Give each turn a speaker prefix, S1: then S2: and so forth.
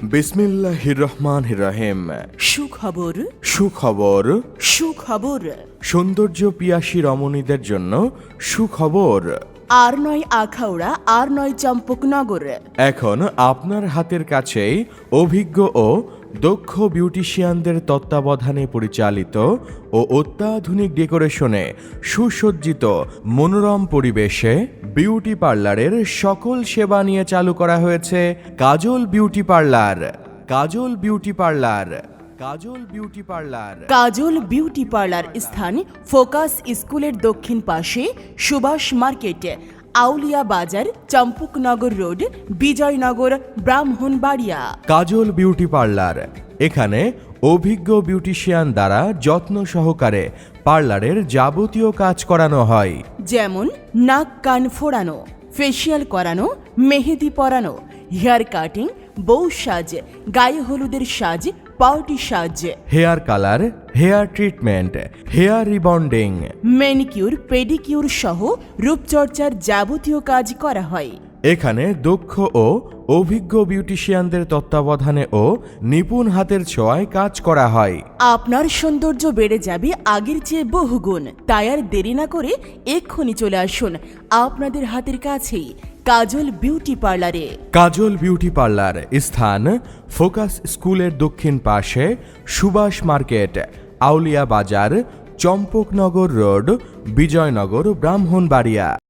S1: বিসমিল্লাহির রহমানির রহিম।
S2: সুখবর
S1: সুখবর।
S2: সুখবর।
S1: সৌন্দর্য পিয়াসী রমণীদের জন্য সুখবর।
S2: আর নয় আখাউড়া, আর নয় চম্পকনগর।
S1: এখন আপনার হাতের কাছেই অভিজ্ঞ ও দক্ষ বিউটিশিয়ানদের তত্ত্বাবধানে পরিচালিত ও অত্যাধুনিক ডেকোরেশনে সুসজ্জিত মনোরম পরিবেশে বিউটি পার্লারের সকল সেবা নিয়ে চালু করা হয়েছে Kajal beauty parlour. Kajal beauty parlour. Kajal beauty parlour.
S2: Kajal beauty parlour স্থান ফোকাস স্কুলের দক্ষিণ পাশে, Subhash market, Auliya Bazar, Champaknagar road, Bijoynagar, Brahmanbaria.
S1: Kajal beauty parlour. এখানে অভিজ্ঞ বিউটিশিয়ান দ্বারা যত্ন সহকারে পার্লারের যাবতীয় কাজ করানো হয়,
S2: যেমন নাক কান ফোড়ানো, ফেসিয়াল করানো, মেহেদি পরানো, হেয়ার কাটিং, বউ সাজ, গায়ে হলুদের সাজ, পার্টি সাজ,
S1: hair colour, hair treatment, hair rebonding,
S2: manicure, pedicure সহ রূপচর্চার যাবতীয় কাজ করা হয়।
S1: এখানে দক্ষ ও অভিজ্ঞ বিউটিশিয়ানদের তত্ত্বাবধানে ও নিপুণ হাতের ছোঁয়ায় কাজ করা হয়।
S2: আপনার সৌন্দর্য বেড়ে যাবে আগের চেয়ে বহুগুণ। তাই আর দেরি না করে এক্ষুনি চলে আসুন আপনাদের হাতের কাছেই কাজল বিউটি পার্লারে।
S1: কাজল বিউটি পার্লার স্থান ফোকাস স্কুলের দক্ষিণ পাশে, সুভাষ মার্কেট, আউলিয়া বাজার, চম্পকনগর রোড, বিজয়নগর, ব্রাহ্মণবাড়িয়া।